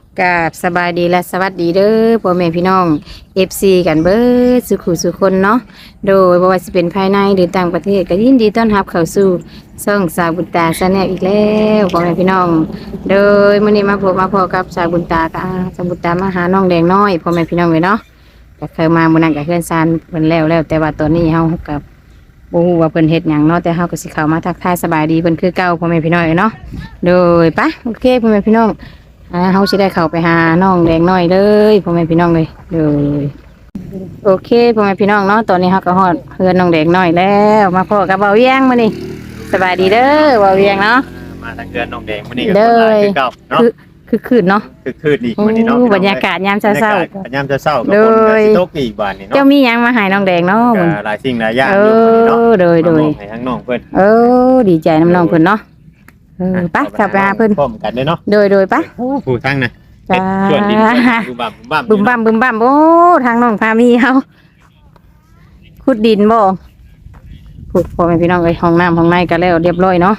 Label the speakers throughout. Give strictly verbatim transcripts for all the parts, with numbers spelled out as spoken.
Speaker 1: กราบสบายดีและสวัสดีเด้อพ่อแม่พี่น้อง เอฟ ซี กันเบิดสุขุสุคนเนาะโดยบ่ว่าสิเป็นภายในหรือต่างประเทศก็ยินดีต้อนรับเข้าสู่ช่องสาวบุญตาชาแนลอีกแล้วพ่อแม่พี่น้องโดยมื้อนี้มาพบมาพอกับสาวบุญตากับสาวบุญตามาหาน้องแดงน้อยพ่อแม่พี่น้องเลยเนาะก็เคยมามื้อนั้นก็เพื่อนซานเพิ่นแล้วแล้วแต่ว่าตอนนี้เฮากับบ่ฮู้ว่าเพิ่นเฮ็ดหยังเนาะแต่เฮาก็สิเข้ามาทักทายสบายดีเพิ่นคือเก่าพ่อแม่พี่น้องเนาะโดยปะโอเคพ่อแม่พี่น้องอ่าเฮาสิได้เข้าไปหาน้องแดงน้อยเลยพ่อแม่พี่น้องเลยเลยโอเคพ่อแม่พี่น้องเนาะตอนนี้เฮาก็ฮอดเฮือนน้องแดงน้อยแล้วมาพอกับเบาเวียงมื้อนี้สบายดีเด้อเบาเวียงเนาะ
Speaker 2: มาทางเดือนน้องแดงมื้อนี้ก็คนหลายคือเก่าเนาะ
Speaker 1: คือคือคืนเนาะ
Speaker 2: คือคืนอีกมื้อนี้เนาะ
Speaker 1: บรรยากาศยามเช้าๆ
Speaker 2: ยามเช้าๆก็ฝนก็สิตกอีกบาดนี้เนาะ
Speaker 1: เจ้ามีหยังมาให้น้องแดงเนาะ
Speaker 2: ก็หลายสิ่งหลายอย่าง
Speaker 1: เอ
Speaker 2: อยู่มื้อนี้เนาะ
Speaker 1: อโดยโดย
Speaker 2: ให้ทางน้องเพิ่น
Speaker 1: เออดีใจน้ำน้องเพิ่นเนาะเออไปกลับไปหาเพิ่น
Speaker 2: พร้อมกันเด้อเนาะ
Speaker 1: โดยโดยไป
Speaker 2: ผู้ทางน่ะ
Speaker 1: จ้า
Speaker 2: ส่วนดินบึ้มบั่มบึ้มบั่ม
Speaker 1: บึมบั่มบึมบั่มโอ้ทางน้องพามีเฮาขุดดินบ่พูดพ่อแม่พี่น้องเอ้ยห้องน้ำห้องในก็แล้วเรียบร้อยเนาะ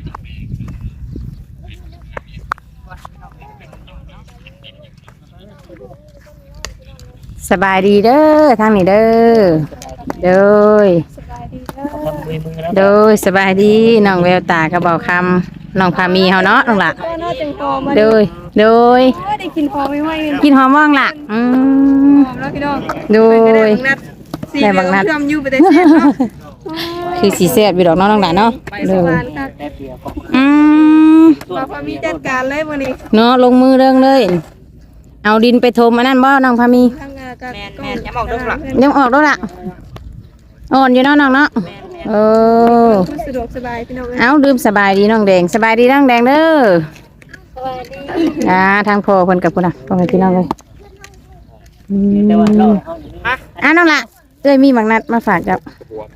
Speaker 1: สบายดีเด้อทางนี้เด้อโดยโดยสบายดีน้องแววตากระเบาคำน้องพามีเฮาเนาะน้องละโดยโดย
Speaker 3: ได้กินหอมไม่ไหว
Speaker 1: กินหอมม่วงล่ะอืม
Speaker 3: หอมแล้วพี่น้อง
Speaker 1: โดย
Speaker 3: ได้บังนัดทำอยู่ไปแต่เสียเนาะ
Speaker 1: คือสีแซ่บอยู่ดอกน้องน้องหลานเนาะ
Speaker 3: ไป
Speaker 1: โด
Speaker 3: ส
Speaker 1: ย
Speaker 3: วรรค์ค่ะ
Speaker 1: อืม
Speaker 3: มาพามีจัดการเลยวันนี้
Speaker 1: เนาะลงมือเรื่องเลย เอาดินไปถมอันนั้นบ่น้องพามี
Speaker 3: ทำงานกันแม่ยังออกด้วยหรอ
Speaker 1: ยังออกด้วยล่ะอ่อนอยู่เนาะน้องเนาะเออ
Speaker 3: สะดวกสบายพี่น้อง
Speaker 1: เอาดื่มสบายดีน้องแดงสบายดีน้องแดงเด้อ
Speaker 3: สบายดี
Speaker 1: อ่าทางพ่อเพิ่นกับพุ่นน่ะพ่อแม่พี่น้องเลยอืมอ่ะน้องละเอ้ยมีบางนัดมาฝากจ้ะ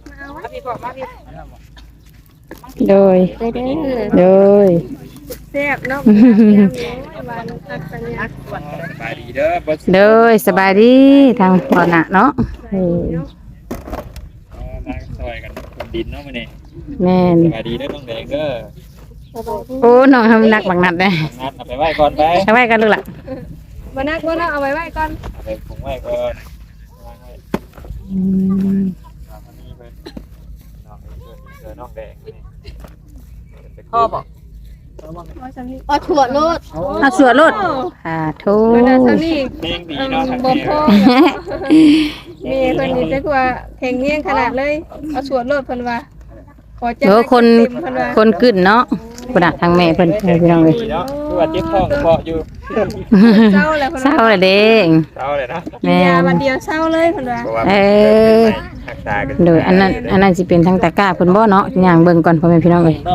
Speaker 1: โดยโดย
Speaker 3: แซ่บเนาะวันตักสัญญา
Speaker 2: สบายดีเด้อบ่
Speaker 1: โดยสบายดีทางพ่อน่ะเนาะเออ
Speaker 2: มาซอยกันคนดินเนาะมื้อนี้
Speaker 1: แม่น
Speaker 2: สบายดีเด้อน้องแดงเด้อ
Speaker 1: โอ้น้องทำนักบางนัดเลย
Speaker 2: นัดเอาไปไว้ก่อนไป
Speaker 1: เอาไว้กันลูกล่ะ
Speaker 3: วันนักวันนักเอาไว้ไว้ก่อน
Speaker 2: เอาไปผงไว้ก่อนวางไว้
Speaker 1: อืม
Speaker 2: เอาคนนี้เพิ่นน้องเพิ่นเจอน้องแดงนี่
Speaker 1: พ่อบอก
Speaker 3: อ๋อถั่วโลด
Speaker 1: เอาสวดรถอ่าโท
Speaker 3: วันนั้นท่านี่
Speaker 2: เพลงดีเนาะทาง
Speaker 3: บ่
Speaker 2: นี้
Speaker 3: พอมีคนนี้จะกว่าแข่งเงี้ยงขนาดเลยเอาสวดโลดเพิ่นว่าขอจัด
Speaker 1: เดี๋ยวคน
Speaker 3: เต็มเพิ่นว่า
Speaker 1: คนกึ่นเนาะพุ่นน่ะทางแม่เพิ่นให้พี่น้องเลย
Speaker 2: ดีเนาะคือว่าเจ็บท้องเพาะอยู่
Speaker 3: เศร้าแล้วเพิ่น
Speaker 1: เศร้าเลยเด้ง
Speaker 2: เศร้าเลยเนาะ
Speaker 3: กินยาวันเดียวเศร้าเลยเพิ่นว่า
Speaker 2: เพราะว่า
Speaker 1: เออ
Speaker 2: รักษากัน
Speaker 1: โดยอันนั้นอันนั้นสิเป็นทางตะกร้าเพิ่นบ่เนาะย่างเบิ่งก่อนพ่อแม่พี่น้องเอ้ย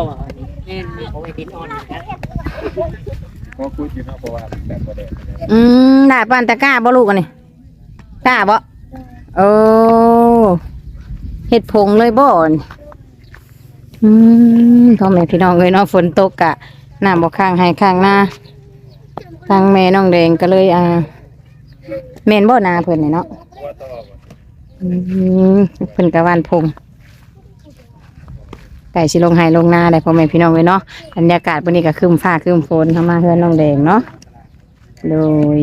Speaker 2: เพราะพูดอยู่เนาะเพราะว่าแบบบ่ได้
Speaker 1: อืมได้ปานตะกร้าบ่ลูกอันนี้กล้าบ่โอ้เฮ็ดผงเลยบ่นี่อืมพ่อแม่พี่น้องเอ้ยเนาะฝนตกกะน้ำบ่ข้างให้ข้างหน้าทางแม่น้องแดงก็เลยอ่าแม่นบ่นาเพิ่นนี่เนาะ
Speaker 2: ตัวต่อบ่
Speaker 1: อืมเพิ่นกะวานพงไก่สิลงไห้ลงนาได้พ่อแม่พี่น้องเลยเนาะบรรยากาศวันนี้ก็ครึ้มฟ้าครึ้มฝนเข้ามาเฮือนน้องแดงเนาะโดย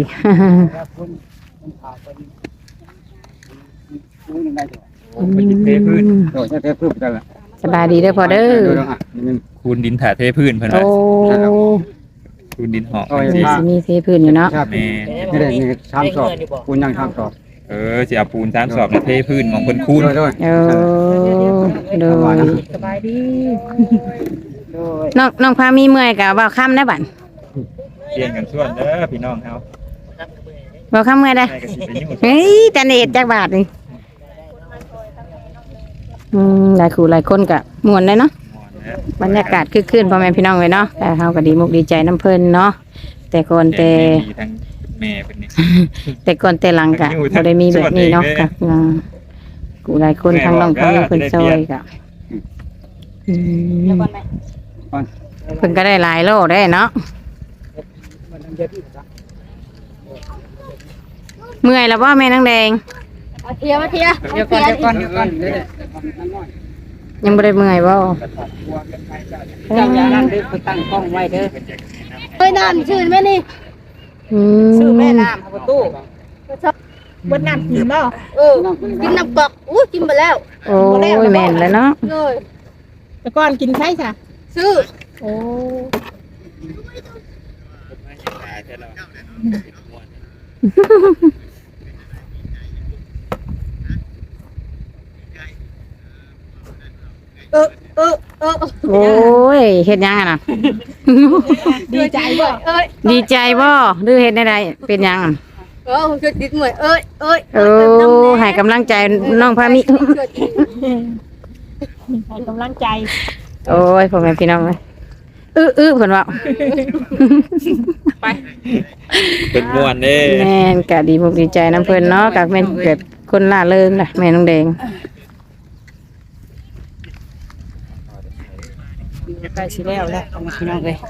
Speaker 2: มันสิเทพื้น
Speaker 4: โอ้ยเทพื้นได้ละ
Speaker 1: สบายดีเด้อพ่อเด้อ
Speaker 2: คูณดินถ่าเทพื้นเพิ่น
Speaker 1: โอ้
Speaker 2: ว่าคูณดินหอก
Speaker 1: สิสิมีเทพื้นอยู่เนาะ
Speaker 4: ครับ
Speaker 2: แม่
Speaker 4: ไม่ได้มีชามสอบคุณยังชามสอบ
Speaker 2: เออสิเอาปูนสามสอบมาเทพื้นของเพิ่นคูณ
Speaker 4: ด้วยด้วย
Speaker 1: เออโดย
Speaker 3: สบายดี
Speaker 1: น้องน้องพามีเมื่อยกะเว้าค่ำได้บัด
Speaker 2: เรียนกันส่วนเด้อพี่น้องเฮา
Speaker 1: เว้าค่ำเมื่อยได้
Speaker 2: ให้ก็สิไปยุ่ง
Speaker 1: เฮ้ยแต่เน็ตจักบาทนี่อืมหลายคู่หลายคนกะม่วนเลยเนาะ บรรยากาศคึกคืนพ่อแม่พี่น้องเลยเนาะแต่เฮาก็ดีมุกดีใจน้ำเพิ่นเนาะแต่ก่อนแต่
Speaker 2: ดีทั้งแม่เป็นนี่
Speaker 1: แต่ก่อนแต่หลังกะบ่ได้มีแบบนี้เนาะกะอ่ากูหลายคนทางน้องเขามีเพิ่นซอยกะอืมเพิ่นก็ได้หลายโลได้เนาะเมื่อยแล้วบ่แม่นางแดง
Speaker 3: มาเทียมาเทีย
Speaker 4: เดี๋ยวก่อนเดี๋ยวก่อนเดี๋ยวก่อนเดี๋ยว
Speaker 1: ยังบ่ได้เมื่อยบ่
Speaker 4: เจ้าอย่านั่นเด้อไปตั้งกล้องไว้เด้อ
Speaker 3: เฮ้ยน้ำชื่นไหมนี่
Speaker 1: อืม
Speaker 5: ซื้อแม่น้ำประตู
Speaker 3: เบิดน้ำกินบ่
Speaker 5: เออกินน้ำกอกอู้กินไปแล้ว
Speaker 1: โอ้ยแม่นแล้วเนาะ
Speaker 5: เลย
Speaker 3: แต่ก่อนกินไข่จ้ะ
Speaker 5: ซื้อ
Speaker 3: โอ้
Speaker 5: เออเออเออ
Speaker 1: โอ้ยเฮ็ดหยังอะน่ะ
Speaker 3: ดีใจบ่
Speaker 5: เอ้ย
Speaker 1: ดีใจบ่หรือเฮ็ดได้ๆเป็นหยังอะ
Speaker 5: เออผมช่วยติดหน่วยเอ้ยเอ้ย
Speaker 1: โอ้ให้กำลังใจน้องพามิ
Speaker 3: ให้กำลังใจ
Speaker 1: โอ้ยพ่อแม่พี่น้องเอ้ยอื้ออื้อเพิ่นว่า
Speaker 2: เป็นม่วนเด้
Speaker 1: แม่นก็ดีมุกดีใจน้ำเพิ่นเนาะก็แม่นเกิดคนล่าเริงน่ะแม่น้องแดง
Speaker 4: ใกล้สิแล้วแล้วพี่น้องเอ้ย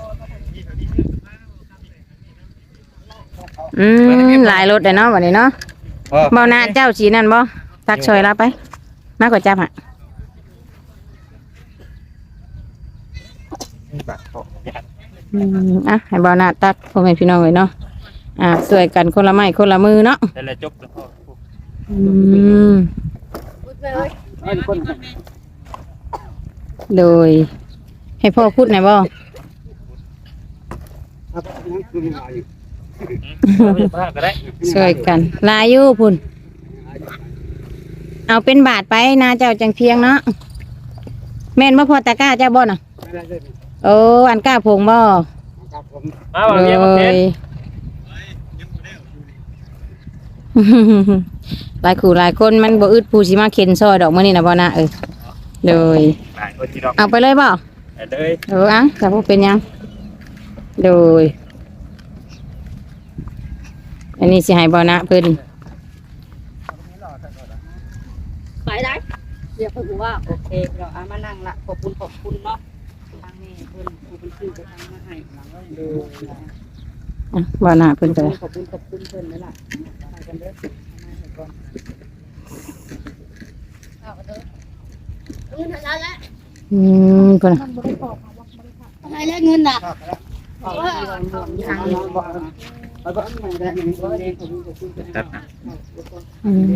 Speaker 1: อืมหลายรถเลยเนาะวันนี้เนาะเบาหน้าเจ้าสีนั่นบ่ตักช่วยเราไปมากกว่าจับอ่ะอืมอ่ะให้เบาหน้าตักพ่อแม่พี่น้องเลยเนาะอ่าช่วยกันคนละไม้คนละมือเนาะ
Speaker 2: แต่ละจบแล้วก็
Speaker 1: อืม
Speaker 5: พูดไปเอ้ย
Speaker 4: เอ้ยคน
Speaker 1: โดย ให้พ่อพูดหน่อยบ่
Speaker 4: ครับยังคือมาอยู่
Speaker 2: บ้าก็ได้
Speaker 1: ช่วยกันลายอยู่พุ่นเอาเป็นบาทไปนะเจ้าจังเพียงเนาะแม่นบ่พอตะกร้าเจ้าบ่น่ะ
Speaker 4: ไม่ได้เลย
Speaker 1: โอ้อันกล้าผงบ่
Speaker 4: ครับผม
Speaker 2: มาว่าเรียกมาเพชร
Speaker 1: หลายคู่หลายคนมันบ่อึดผู้สิมาเข็นซอยดอกมื้อนี้นะบ่นะเออเลย
Speaker 2: หลายคนที่ดอก
Speaker 1: เอาไปเลยบ่
Speaker 2: ไปเลย
Speaker 1: เอออ่ะถ้าบ่เป็นหยังโดยอันนี้สิให้บ่นะเพิ่น
Speaker 5: ไปได้เดี๋ยวผมว่า
Speaker 6: โอเคเราเอามานั่งละขอบคุณขอบคุณเนาะทางแม่เพิ่นผู้เป็นชื่อก็ทำมาให้หลังก็ดู
Speaker 1: อ่ะบ่นะเพิ่นก็ได้
Speaker 6: ขอบคุณขอบคุณเพิ่นนั่นล่ะไปกันเด้อมาให้ก่อน
Speaker 5: เงินอะไรแล้ว
Speaker 1: อืมเพิ่นน่ะ
Speaker 5: อะไรแล้วเงินน่ะ
Speaker 6: ทางน้องบอกแล้วก็มาได้ยังบ่ได้ขอบคุณขอบคุณเพิ่น
Speaker 2: ตัด
Speaker 1: อืม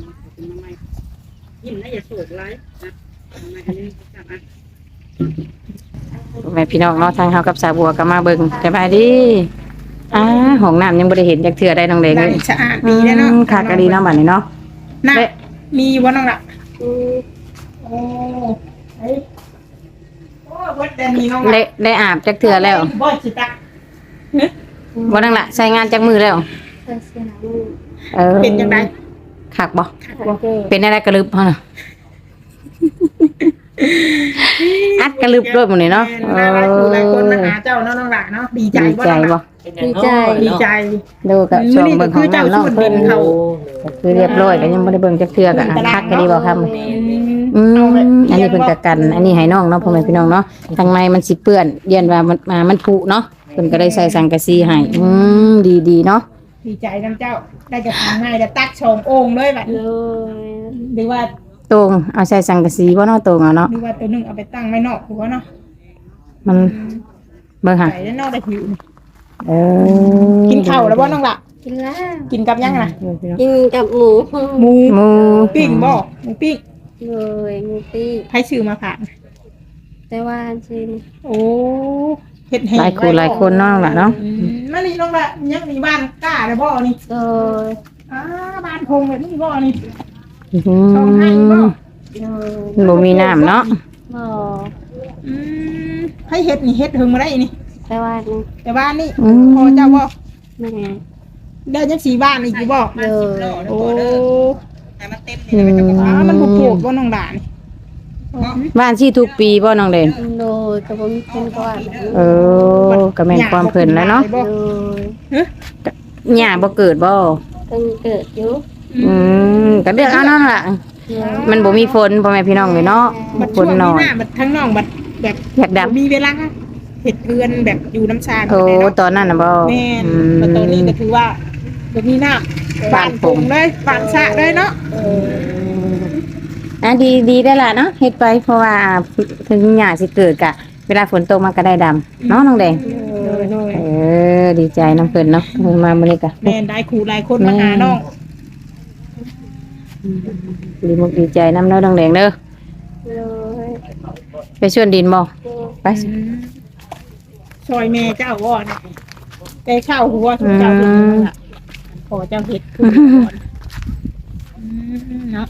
Speaker 6: ยิ้มนะอย่าโศกร้ายนะมากันนี่จับอ่ะ
Speaker 1: แม่พี่น้องเนาะทางเฮากับสาวบัวก็มาเบิ่งสบายดีอ่าห้องน้ำยังบ่ได้เห็นจักเทื่อได้น้องเด็ก
Speaker 3: ได้
Speaker 1: เลย
Speaker 3: สะอาดดีแล้วเนาะ
Speaker 1: อืมค่ะก็ดีเนาะบัดนี้เนาะ
Speaker 3: น่ะ
Speaker 1: เด้
Speaker 3: มีอยู่บ่น้องล่ะโอ้เฮ้ยโอ้เบิดแต่มีน้อง
Speaker 1: ได้ได้อาบจักเทื่อแล้ว
Speaker 3: บ่สิตัก
Speaker 1: บ่นั่งละใช้งานจักมือแล้วเออ
Speaker 3: เป็นจังได๋
Speaker 1: คักบ่เป็นอะไรกระลึบเฮาน่ะอัดกระลึบด้วยหมื้นี้เนาะ
Speaker 3: หลายหลายคนหลายคนมาหาเจ้าเนาะน้องล่ะเนาะดีใจ
Speaker 1: ดี
Speaker 3: บ่
Speaker 1: ใจ
Speaker 3: น้อง
Speaker 1: บ่
Speaker 3: ล่ะ
Speaker 5: ดีใจ
Speaker 3: ดีใจ
Speaker 1: ดูกับช่วง
Speaker 3: นี่
Speaker 1: เบิ่งของน้ำเนาะ
Speaker 3: คือเจ้า
Speaker 1: เพิ่น
Speaker 3: สูตรดินเขา
Speaker 1: ก็คือเรียบร้อยก็ยังบ่ได้เบิ่งจักเทื่อก็อ่ะคักก็ดีบ่ครับอืมอันนี้เพิ่นก็กัน อันนี้ให้น้องเนาะพ่อแม่พี่น้องเนาะทางในมันสิเปื้อนเรียนว่ามันมามันผุเนาะเพิ่นก็ได้ใส่สังกะสีให้อืมดีๆเนาะ
Speaker 3: ดีใจน้ำเจ้าได้จะทำให้ได้ตักชมโอ่งเลยแบบ
Speaker 5: เลย
Speaker 3: หรือว่า
Speaker 1: ตรงเอาใส่สังกะสีบ่เนาะตรงเอาเนาะ
Speaker 3: หรือว่าตัวหนึงเอาไปตั้งไม่นอกหัวเนาะ
Speaker 1: มันเบิ่งหา
Speaker 3: ใส่ด้านนอกได้หิว
Speaker 1: เออ
Speaker 3: กินข้าวแล้วบ่น้องล่ะ
Speaker 5: กินแล้ว
Speaker 3: กินกับยังน่ะ
Speaker 5: กินกับหมู
Speaker 3: หมู
Speaker 1: หมู
Speaker 3: ปิ้งบ่หมูปิ้ง
Speaker 5: เลยหมูปิ้ง
Speaker 3: ให้ชื่อมาผ่าน
Speaker 5: แต่ว่าชิม
Speaker 3: โอ้เฮ็ดให้
Speaker 1: หลายคู่หลายคนเนาะล่ะเนาะ
Speaker 3: อืมมานี่น้องล่ะยังมีบ้านกล้าได้บ่นี่
Speaker 5: เลย
Speaker 3: อ้าบ้านคงแบบนี้บ่นี่
Speaker 1: อื
Speaker 3: ชมให้บ่
Speaker 1: ม
Speaker 5: เลย
Speaker 1: บ่มีน้ำเนาะ
Speaker 5: หมอ
Speaker 3: อืมให้เฮ็ดนี่เฮ็ดถึงมาได้นี่
Speaker 5: แต่ว่านี่
Speaker 3: แต่บ้านนี่
Speaker 1: อืม
Speaker 3: พอเจ้าบ่
Speaker 5: แม่
Speaker 3: ได้จังสีบ้านอีกอยู่บ่
Speaker 5: เลย
Speaker 3: โอ้
Speaker 6: ให้มันเต็ม
Speaker 1: อืม
Speaker 3: อ้ามันบ่ปลูกบ่น้องด่านี่
Speaker 1: บ้านที่ทุกปีบ่น้องเด่น
Speaker 5: เลยกับผมเป็นก่อน
Speaker 1: เออก็แม่นความเพิ่นแล้วเนาะ
Speaker 5: เลย
Speaker 1: หญ้าบ่เกิดบ่
Speaker 5: เพิ่งเกิดอยู่
Speaker 1: อืมก็เลือกเอาเนาะล่ะ มันบ่มีฝนพ่อแม่พี่น้องเลยเนาะ
Speaker 3: บัด
Speaker 1: ฝ
Speaker 3: ช่วน ง
Speaker 1: น้
Speaker 3: นี้
Speaker 1: อย
Speaker 3: หน้าบัดทั้งน้องบัดแบบ
Speaker 1: อยากดับ
Speaker 3: มีเวลาเฮ็ดเรือนแบบอยู่น้ำชา
Speaker 1: โอ้
Speaker 3: เลยเนาะ
Speaker 1: ตอนนั้นน่ะบ่
Speaker 3: แม่น
Speaker 1: อืม
Speaker 3: แต่ตอนนี้ก็ถือว่าบ่มีน้ำบ้านปงเลยบ้านสระเลยเนาะ
Speaker 1: อ่ะดีดีได้ล่ะเนาะเฮ็ดไปเพราะว่าถึงหญ้าสิเกิดกะ เวลาฝนตกมันก็ได้ดำเนาะน้องแดง
Speaker 3: โดยโดย
Speaker 1: เออดีใจน้ำเพิ่นเนาะเพิ่นมามื้อนี้กะ
Speaker 3: แม่นได้ครูหลายคนมาหาน้อง
Speaker 1: ดีมุกดีใจน้ำเด้อน้องแดงเด้อ
Speaker 5: โดย
Speaker 1: ไปชวนดินบ่ไป
Speaker 3: ซอยแม่เจ้าว่าเนี่ยได้ข้าวหัวทุกเจ้าทุกคนล่ะขอเจ้าเฮ็ดคือก่อนอืมเนาะ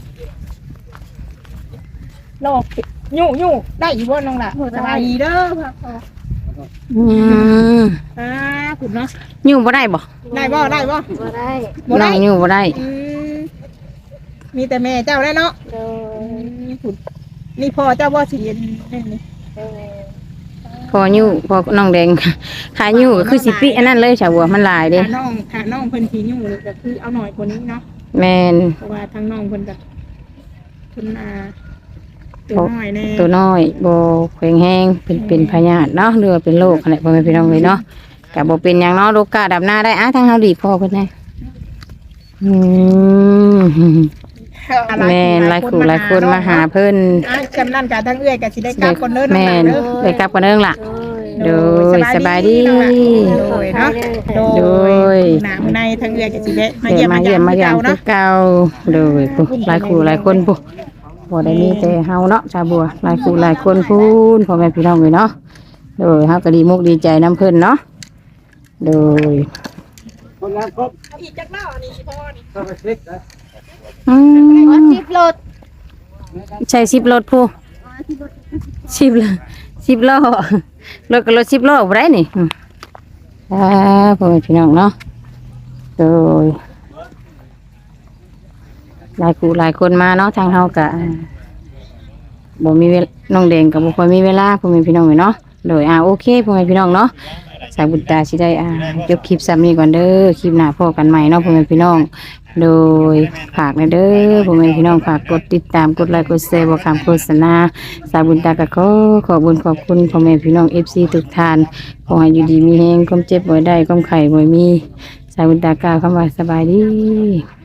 Speaker 3: โลกยู่ยู่ได้อีกบ่น้องล่ะสบายดีเด้อพ่อพ่อ
Speaker 1: อืม
Speaker 3: อ่าคุณเนาะ
Speaker 1: อยู่บ่ได้บ่
Speaker 3: ได้บ่ได้บ่
Speaker 5: บ่ได้
Speaker 3: บ่
Speaker 1: น้
Speaker 3: ได้
Speaker 1: องอยู่บ่ได้
Speaker 3: อืมมีแต่แม่เจ้าได้เนาะ
Speaker 5: โด
Speaker 3: อื
Speaker 5: ย
Speaker 3: มคุณนี่พ่อเจ้าบ่สิเห็นนี่นี่
Speaker 5: โดย
Speaker 1: พออยู่พอน้องแดงขาอยู่ก็คือสิปิอันนั้นเลยชาวบัวมันหลายเด้
Speaker 3: ถ้าน้องถ้าน้องเพิ่นสิอยู่ก็คือเอาหน่อยกว่านี้เนาะ
Speaker 1: แม่น
Speaker 3: เพราะว่าทั้งน้องเพิ่นแบบเพิ่นอ่าตัวน้อยแน่
Speaker 1: ตัวน้อยบ่แข็งแรงเป็นเป็นพยาธิเนาะหรือว่าเป็นโรคอะไรพ่อแม่พี่น้องเลยเนาะก็บ่เป็นหยังเนาะโรคกาดับหน้าได้อ่ะทั้งเฮาดีพ่อเพิ่นแน่อืมแม่นหลายคู่หลายคนมาหาเพิ่น
Speaker 3: อ่ะจำนั่นกับทั้งเอื้อยก็สิได้กลับคนเด้อน้อง
Speaker 1: แม่
Speaker 3: หลาน นเด้อ
Speaker 1: ไปกลับกันเด้อล่ะ
Speaker 5: โดย
Speaker 1: โดยสบายดี
Speaker 3: น้องหลานโดยเนาะโด
Speaker 1: โดย
Speaker 3: หนามื้อในทั้งเอื้อยก็สิได้มา
Speaker 1: เดี๋
Speaker 3: เยี่
Speaker 1: ย
Speaker 3: ยม
Speaker 1: มา
Speaker 3: มา
Speaker 1: เยี่ยมมา
Speaker 3: เยี่
Speaker 1: ยาย
Speaker 3: ม
Speaker 1: ม
Speaker 3: เนาะ
Speaker 1: คือเก่าโดยปุ๊หลายคู่หลายคนปุ๊บ่ได้มีแต่เฮาเนาะชาวบัวหลายคู่หลายคนพูนพ่อแม่พี่น้องเลยเนาะโดยเฮาก็ดีมุกดีใจน้ำเพิ่นเนาะโดย
Speaker 4: คนละครบ
Speaker 3: อีกจักเล่านี่พ่อนี่
Speaker 4: ก็ไปคลิกนะ
Speaker 1: อืม
Speaker 5: สิบรถ
Speaker 1: ใช่สิบรถผู้สิบล้อสิบล้อรถก็รถสิบล้อบ่ได้นี่อืมอ่าพ่อแม่พี่น้องเนาะโดยหลายคู่หลายคนมาเนาะทางเฮาก็บ่มีเวลาน้องแดงก็บ่ค่อยมีเวลาพ่อแม่พี่น้องเลยเนาะโดยอ่าโอเคพ่อแม่พี่น้องเนาะสายบุญตาสิได้อ่าจบคลิปซ้ำนี้ก่อนเด้อคลิปหน้าพบกันใหม่เนาะพ่อแม่พี่น้อง โดยฝากนะเด้อพ่อแม่พี่น้องฝากกดติดตามกดไลค์กดแชร์บอกคำโฆษณาสายบุญตากะขอขอบุญขอบคุณพ่อแม่พี่น้อง เอฟ ซี ทุกท่านขอให้อยู่ดีมีแรงความเจ็บบ่ได้ความไข้บ่มีสายบุญตากล่าวคำว่าสบายดี